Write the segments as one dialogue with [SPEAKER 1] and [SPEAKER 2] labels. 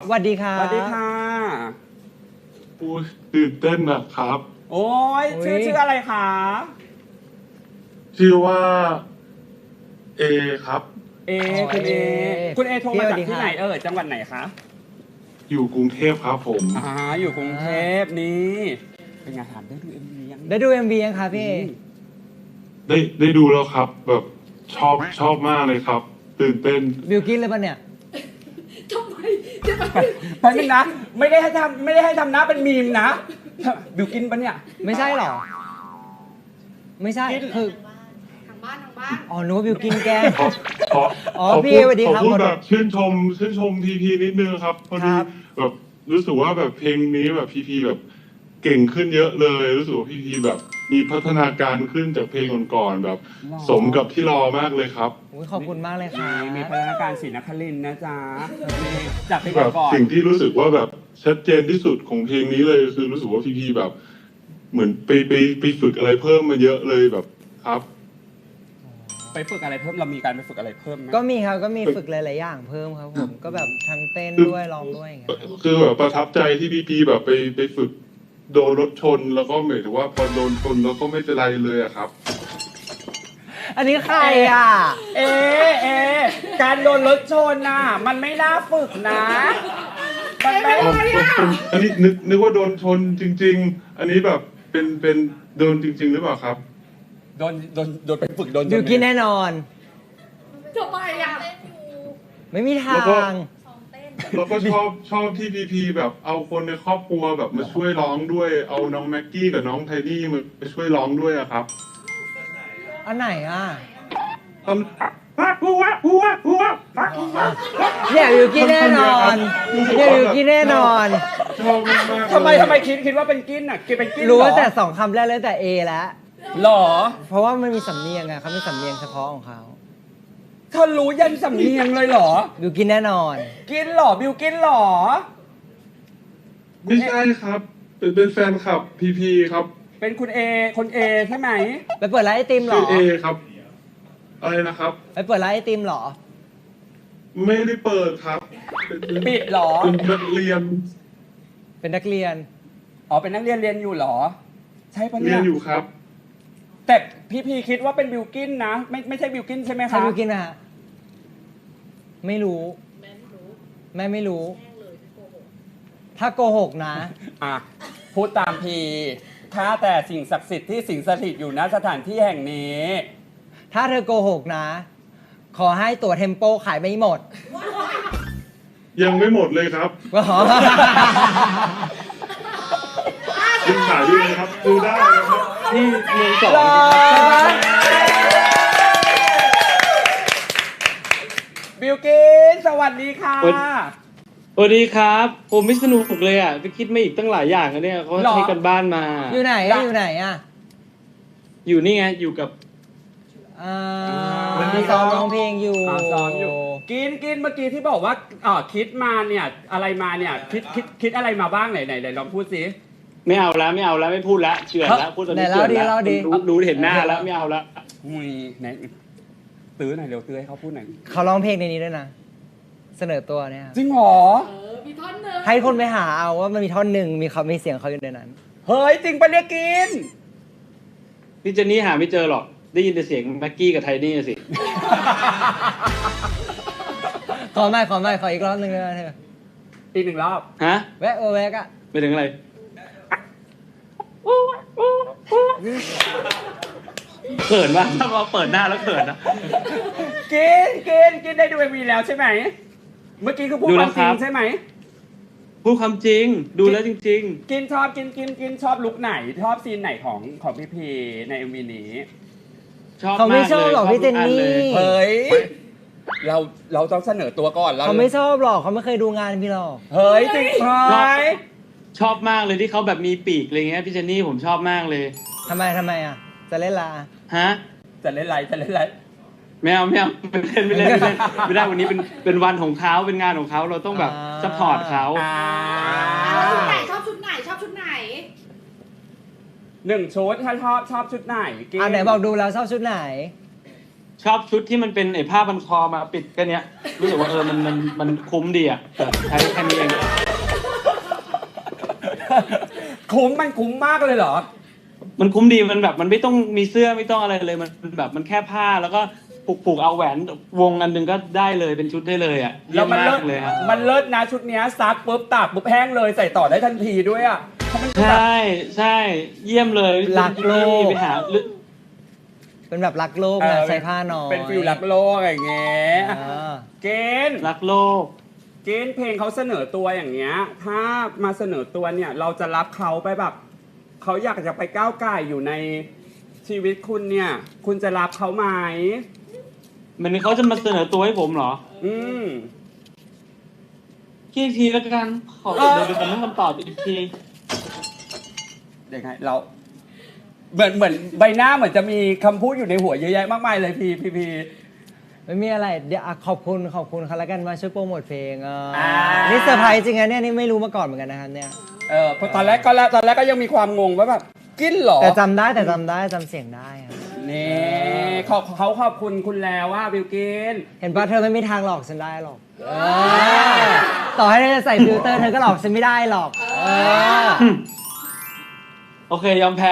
[SPEAKER 1] สวัสดีครั
[SPEAKER 2] ส
[SPEAKER 1] บ
[SPEAKER 2] วัสดีค่ะ
[SPEAKER 3] พูดตื่นเต้นนะครับ
[SPEAKER 2] โอ้ยชื่ออะไรคะ
[SPEAKER 3] ชื่อว่าเอครับ
[SPEAKER 2] เอคุณเอคุณเอโทรมาจากที่ไหนจังหวัดไหนคะ
[SPEAKER 3] อยู่กรุงเทพครับผม
[SPEAKER 2] อยู่กรุงเทพนี่เป็นไงถามได้ดู MV ยัง
[SPEAKER 1] ได้ดู MV ยังครับพี่
[SPEAKER 3] ได้ดูแล้วครับ แบบชอบมากเลยครับ ตื่นเต้น
[SPEAKER 1] บิวกินเลยปะเนี่ย
[SPEAKER 4] ทำไมจะไป
[SPEAKER 2] แป๊บนึงนะไม่ได้ให้ทำหน้าเป็นมีมนะบิวกินปะเนี่ย
[SPEAKER 1] ไม่ใช่หรอ ไม่ใช่
[SPEAKER 2] กิน
[SPEAKER 1] คือ
[SPEAKER 4] ทางบ้าน
[SPEAKER 1] อ๋อนึกว่าบิวกินแกล้ง
[SPEAKER 3] ขอ
[SPEAKER 1] อ๋อ
[SPEAKER 3] ขอ
[SPEAKER 1] พี่
[SPEAKER 3] พูด
[SPEAKER 1] สวัสดี
[SPEAKER 3] ขอ
[SPEAKER 1] ครับ
[SPEAKER 3] พูด
[SPEAKER 1] ขอโทษ
[SPEAKER 3] แบบชื่นชมพีพีนิดนึงครับพอดี
[SPEAKER 1] ครับ
[SPEAKER 3] แบบรู้สึกว่าแบบเพลงนี้แบบพีพีแบบเก่งขึ้นเยอะเลย รู้สึกว่าพีพีแบบมีพัฒนาการขึ้นจากเพลงก่อนๆแบบ สมกับที่รอมากเลยครับ
[SPEAKER 1] อุ๊ยขอบคุณมากเลยครับ
[SPEAKER 2] มีพัฒนาการศรีนครินทร์นะจ๊ะจากเพลง
[SPEAKER 3] แบบ
[SPEAKER 2] ก่อน
[SPEAKER 3] สิ่งที่รู้สึกว่าแบบชัดเจนที่สุดของเพลงนี้เลยคือรู้สึกว่าพีพีแบบ เหมือนไปฝึกอะไรเพิ่มมาเยอะเลยแบบครับ
[SPEAKER 2] ไปฝึกอะไรเพิ่มเรามีการไปฝึกอะไรเพิ่มไหม
[SPEAKER 1] ก็มีครับก็มีฝึกหลาย ๆ อย่างเพิ่มครับผมก็แบบทั้งเต้นด้วยร้องด้วยอย่างเงี้ยครับ
[SPEAKER 3] คือแบบประทับใจที่พีพีแบบไปฝึกโดนรถชนแล้วก็หมายถึงว่าพอโดนชนแล้วก็ไม่เป็นไรเลยอะครับ
[SPEAKER 1] อันนี้ใครอ่ะ
[SPEAKER 2] เอการโดนรถชนน่ะมันไม่น่าฝึกนะมันไม่
[SPEAKER 3] อันนี้นึกว่าโดนชนจริง ๆ อันนี้แบบเป็นโดนจริง ๆ หรือเปล่าครับ
[SPEAKER 2] โดนไปฝึกโดน
[SPEAKER 1] บิวกินแน่นอน
[SPEAKER 4] ทำไมอ่ะ
[SPEAKER 1] ไม่มีทา
[SPEAKER 3] แล้วก็
[SPEAKER 1] ง
[SPEAKER 3] แล้วก็ชอบที่พีพีแบบเอาคนในครอบครัวแบบมาช่วยร้องด้วยเอาน้องแม็กกี้กับน้องไทนี่มาช่วยร้องด้วยอะครับ
[SPEAKER 1] อันไหนอ่ะ
[SPEAKER 3] ตอนหัว
[SPEAKER 1] เนี่ยบิวกินแน่นอนเนี่ยบิวกินแน่นอน
[SPEAKER 3] ชอบมากๆเลย
[SPEAKER 2] ทำไมคิดว่าเป็นกินอ่ะกินเป็นกิน
[SPEAKER 1] รู้
[SPEAKER 2] เหรอ
[SPEAKER 1] แต่สองคำแรกเลยแต่ A แล้ว
[SPEAKER 2] หรอ
[SPEAKER 1] เพราะว่ามันมีสำเนียงไงเขามีสำเนียงเฉพาะของเขา
[SPEAKER 2] เธอรู้ยันสำเนียงเลยเหรอ
[SPEAKER 1] บิวกินแน่นอน
[SPEAKER 2] กินเหรอบิวกินเหรอ
[SPEAKER 3] ไม่ใช่ครับเป็นแฟนคลับพีพีครับ
[SPEAKER 2] เป็นคุณเอคนเอใช่ไหม
[SPEAKER 1] ไปเปิดร้านไอติมเหร
[SPEAKER 3] ชื่
[SPEAKER 1] อ
[SPEAKER 3] อเอครับ อะไรนะครับ
[SPEAKER 1] ไปเปิดร้านไอติมเหรอ
[SPEAKER 3] ไม่ได้เปิดครับ
[SPEAKER 2] ปิดเหรอ
[SPEAKER 3] เป็นนักเรียน
[SPEAKER 1] เป็นนักเรียน
[SPEAKER 2] อ๋อเป็นนักเรียนเรียนอยู่เหรอ ใช่ปะ
[SPEAKER 3] เรี
[SPEAKER 2] เนี่ย ย
[SPEAKER 3] นอยู่ครับ
[SPEAKER 2] แต่พี่พีคิดว่าเป็นบิวกินนะ ไม่ใช่บิวกินใช่ไหม
[SPEAKER 1] ใคร
[SPEAKER 2] คะ
[SPEAKER 1] บิวกินอะฮะไม่รู้
[SPEAKER 4] แม่ไม่รู้
[SPEAKER 1] แม่ไม่รู้
[SPEAKER 4] แม่งเลยที่โกหก
[SPEAKER 1] ถ้าโกหกนะ
[SPEAKER 2] อ่ะพูดตามพีข้าแต่สิ่งศักดิ์สิทธิ์ที่สิงสถิตอยู่ณสถานที่แห่งนี้
[SPEAKER 1] ถ้าเธอโกหกนะ ขอให้ตั๋วเทมโปขายไม่หมด
[SPEAKER 3] ยังไม่หมดเลยครับ
[SPEAKER 1] ก็ขอ
[SPEAKER 3] ยังขายอยู่เลยครับดูได้นะครับที่เมืองสอง
[SPEAKER 1] หรอ
[SPEAKER 2] บิวกินสวัสดีค่ะ
[SPEAKER 5] สวัสดีครับ ผมไม่สนุกเลยอ่ะไปคิดมาอีกตั้งหลายอย่างอะเนี่ยเขา
[SPEAKER 2] หรอ
[SPEAKER 5] ให้กันบ้านมา
[SPEAKER 1] อยู่ไหนอะอยู่ไหนอะ
[SPEAKER 5] อยู่นี่ไงอยู่กับ
[SPEAKER 1] อ่า
[SPEAKER 2] วันนี้
[SPEAKER 1] ซ้อมร้องเพลงอยู่
[SPEAKER 2] ซ้อมอยู่ กินเมื่อกี้ที่บอกว่าคิดมาเนี่ยอะไรมาเนี่ยคิดอะไรมาบ้างไหนลองพูดสิ
[SPEAKER 5] ไม่เอาแล้วไม่พูดแล้วเฉื่อยแล้วพูดตอน
[SPEAKER 1] ไหน
[SPEAKER 5] นี้
[SPEAKER 1] เล่า
[SPEAKER 5] เฉื่อย
[SPEAKER 1] ดี
[SPEAKER 5] แล้ว
[SPEAKER 1] เล่าดี
[SPEAKER 5] รู้เห็นหน้าแล้วไม่เอาแล้ว
[SPEAKER 2] อุ้ยไหนตื้อหน่อยเร็วตื้อให้เขาพูดหน่อย
[SPEAKER 1] เขาร้องเพลงในนี้ด้วยนะ เสนอตัวเนี่ยครับ
[SPEAKER 2] จริงเหรอ
[SPEAKER 4] มีท่อนหนึ่ง
[SPEAKER 1] ให้คนไปหาเอาว่ามันมีท่อนหนึ่งมีเสียงเขาอยู่ในนั้น
[SPEAKER 2] เฮ้ยจริงปะเนี่ยกิน
[SPEAKER 5] พี่เจนนี่หาไม่เจอหรอกได้ยินแต่เสียงแม็กกี้กับไทนี่สิ
[SPEAKER 1] ขออีกรอบหนึ่งเลยนะเธอ
[SPEAKER 2] อีกหนึ่งรอบ
[SPEAKER 5] ฮะ
[SPEAKER 1] แวะแวะอะ
[SPEAKER 5] ไปถึงอะไรเขินป่ะถ้ามาเปิดหน้าแล้วเขินนะ
[SPEAKER 2] กินได้ดูMVแล้วใช่ไหมเมื่อกี้คือพูด
[SPEAKER 5] ดู
[SPEAKER 2] ค
[SPEAKER 5] แล้ว
[SPEAKER 2] วามจริง
[SPEAKER 5] ครับ
[SPEAKER 2] ใช่ไหม
[SPEAKER 5] พูดความจริงดูแล้วจริง
[SPEAKER 2] กินชอบกินชอบลุคไหนชอบซีนไหนของพี่พีใน MV นี้
[SPEAKER 5] ๆ ชอบ
[SPEAKER 1] เขาไม่
[SPEAKER 5] มาก
[SPEAKER 1] ชอบ
[SPEAKER 5] เลย
[SPEAKER 1] หรอกพี่เจนนี่
[SPEAKER 2] เฮ้ยเราต้องเสนอตัวก่อนแล้ว
[SPEAKER 1] เขาไม่ชอบหรอกเขาไม่เคยดูงานพี่หรอก
[SPEAKER 2] เฮ้ยจริงไหม
[SPEAKER 5] ชอบมากเลยที่เขาแบบมีปีกอะไรเงี้ยพี่เจนนี่ผมชอบมากเลย
[SPEAKER 1] ทำไมอ่ะ จะเล่นลา
[SPEAKER 5] ฮะ
[SPEAKER 2] จะเล่นไร
[SPEAKER 5] ไม่เอาไม่ได้วันนี้เป็นวันของเขาเป็นงานของเขาเราต้องแบบซัพพอร์ตเขา
[SPEAKER 4] ชอบชุดไหนชอบชุดไหน
[SPEAKER 2] หนึ่งชุดถ้าชอบชุดไหนกิน
[SPEAKER 1] ไหนบอกดูแล้วชอบชุดไหน
[SPEAKER 5] ชอบชุดที่มันเป็นไอ้ผ้าพันคอมาปิดแค่เนี้ยรู้สึกว่ามันคุ้มดีอ่ะใช้แค่นี้เอง
[SPEAKER 2] คุ้มมากเลยเหรอ
[SPEAKER 5] มันคุ้มดีมันแบบมันไม่ต้องมีเสื้อไม่ต้องอะไรเลยมันแบบมันแค่ผ้าแล้วก็ผูกเอาแหวนวงอันหนึงก็ได้เลยเป็นชุดได้เลยอ่ะเยี่
[SPEAKER 2] แล้
[SPEAKER 5] ยว ม
[SPEAKER 2] มัน
[SPEAKER 5] มา
[SPEAKER 2] เลิศ
[SPEAKER 5] กเลยครับ
[SPEAKER 2] มันเลิศนะชุดเนี้ยซักปุ๊บตากปุ๊บแห้งเลยใส่ต่อได้ทันทีด้วยอ่ะเพราะมันคือ
[SPEAKER 5] ใช
[SPEAKER 2] แบบ
[SPEAKER 5] ่ใช่เยี่ยมเลย
[SPEAKER 1] รักโลก
[SPEAKER 5] ไปหา
[SPEAKER 1] เป็นแบบรักโลกนะใส่ผ้าน้อย
[SPEAKER 2] เป็นฟิลรักโลกอะไรอย่างเงี้ย เกณฑ์
[SPEAKER 5] รักโลก
[SPEAKER 2] เกณฑ์เพลงเขาเสนอตัวอย่างเงี้ย ถ้ามาเสนอตัวเนี่ย เราจะรับเขาไปแบบเขาอยากจะไปก้าวไก่ายอยู่ในชีวิตคุณเนี่ย คุณจะรับเขาไหม
[SPEAKER 5] มันเขาจะมาเสนอตัวให้ผมเหรอ
[SPEAKER 2] อืม
[SPEAKER 5] คิดอีกทีแล้วกันขอ
[SPEAKER 2] เออ
[SPEAKER 5] เดี๋ยวผมให้คำตอบอีกที
[SPEAKER 2] ยังไงเราเหมือนใบหน้าเหมือนจะมีคำพูดอยู่ในหัวเยอะแยะมากมายเลยพี
[SPEAKER 1] ไม่มีอะไรเดี๋ยวอ่ะขอบคุณเขาแล้วกันมาช่วยโปรโมทเพลง
[SPEAKER 2] อ่า
[SPEAKER 1] นี่เซอร์ไพรส์จริงนะเนี่ยนี่ไม่รู้มาก่อนเหมือนกันนะครับเนี่ย
[SPEAKER 2] เพราะตอนแรกก็ยังมีความงงว่าแบบกินเหรอ
[SPEAKER 1] แต่จำได้จำเสียงได้ครับ
[SPEAKER 2] นี่เขาขอบคุณคุณแล้วว่าบิวกิน
[SPEAKER 1] เห็นป่ะเธอไม่มีทางหลอกฉันได้หรอกต่อให้เธอจะใส่ฟิลเตอร์เธอก็หลอกฉันไม่ได้หรอก
[SPEAKER 5] โอเคยอมแพ้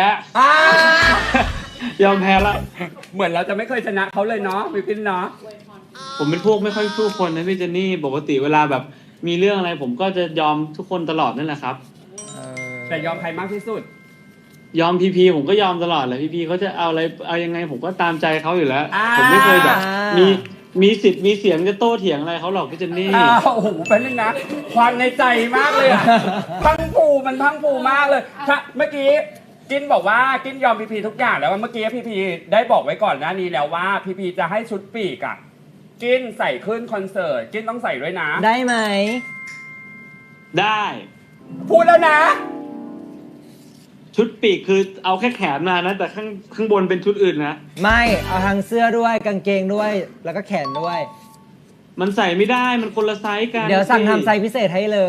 [SPEAKER 5] ยอมแพ้ละ
[SPEAKER 2] เหมือนเราจะไม่เคยชนะเขาเลยเนาะบิวกินเนาะ
[SPEAKER 5] ผมเป็นพวกไม่ค่อยสู้คนนะพี่เจนนี่ปกติเวลาแบบมีเรื่องอะไรผมก็จะยอมทุกคนตลอดนั่นแหละครับ
[SPEAKER 2] แต่ยอมใครมากที่สุด
[SPEAKER 5] ยอมพีผมก็ยอมตลอดแหละพีเขาจะเอาอะไรเอายังไงผมก็ตามใจเขาอยู่แล้ว
[SPEAKER 2] อ่า
[SPEAKER 5] ผมไม่เคยแบบมีสิทธิ์มีเสียงจะโต้เถียงอะไรเขาหรอกพี่เจนนี่
[SPEAKER 2] โอ้โหเป็นนึงนะความในใจมากเลยอะพังผูมันพังผูมากเลยถ้าเมื่อกี้กินบอกว่ากินยอมพีทุกอย่างแล้วเมื่อกี้พีได้บอกไว้ก่อนหน้านี้แล้วว่าพีจะให้ชุดปีกอะกินใส่ขึ้นคอนเสิร์ตกินต้องใส่ด้วยนะ
[SPEAKER 1] ได้ไหม
[SPEAKER 5] ได้
[SPEAKER 2] พูดแล้วนะ
[SPEAKER 5] ชุดปีกคือเอาแค่แขนมานะ แต่ข้างบนเป็นชุดอื่นนะ
[SPEAKER 1] ไม่เอาทั้งเสื้อด้วยกางเกงด้วยแล้วก็แขนด้วย
[SPEAKER 5] มันใส่ไม่ได้มันคนละไซส์กัน
[SPEAKER 1] เดี๋ยวสั่งทำไซส์พิเศษให้เลย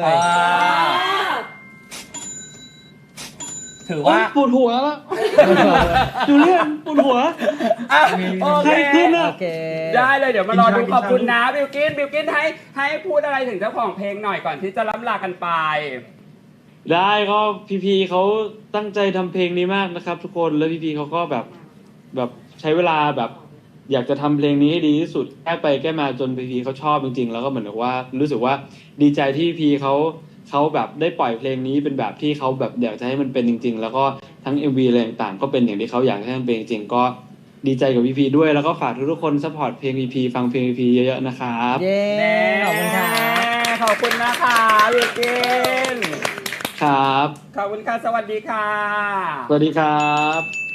[SPEAKER 2] ถือ
[SPEAKER 5] โอ๊
[SPEAKER 2] ว่า
[SPEAKER 5] ยปวดหัวแล้วจูเลียนปวดหัว
[SPEAKER 2] อ่ะโอเค
[SPEAKER 5] ใครขึ้นอะ
[SPEAKER 1] โอเค
[SPEAKER 2] ได้เลยเดี๋ยวมารอดูขอบคุณนะบิวกินให้พูดอะไรถึงเจ้าของเพลงหน่อยก่อนที่จะล้ำลากันไป
[SPEAKER 5] ได้ก็พีเขาตั้งใจทำเพลงนี้มากนะครับ ทุกคนแล้วพีเขาก็แบบใช้เวลาแบบอยากจะทำเพลงนี้ให้ดีที่สุดแก้ไปแก้มาจนพีเขาชอบจริงๆแล้วก็เหมือนกับว่ารู้สึกว่าดีใจที่พีเขาแบบได้ปล่อยเพลงนี้เป็นแบบที่เขาแบบอยากจะให้มันเป็นจริง ๆ แล้วก็ทั้ง MV อะไรต่างๆก็เป็นอย่างที่เขาอยากให้มันเป็นจริงๆก็ดีใจกับพีด้วยแล้วก็ฝากทุกๆคนซัพพอร์ตเพลงพีฟังเพลงพีเยอะๆนะครับ
[SPEAKER 1] เย้ขอบคุณครับ
[SPEAKER 2] ขอบคุณนะคะบิวกิน
[SPEAKER 5] ครับ
[SPEAKER 2] ขอบคุณค่ะสวัสดีค่ะ
[SPEAKER 5] สวัสดีครับ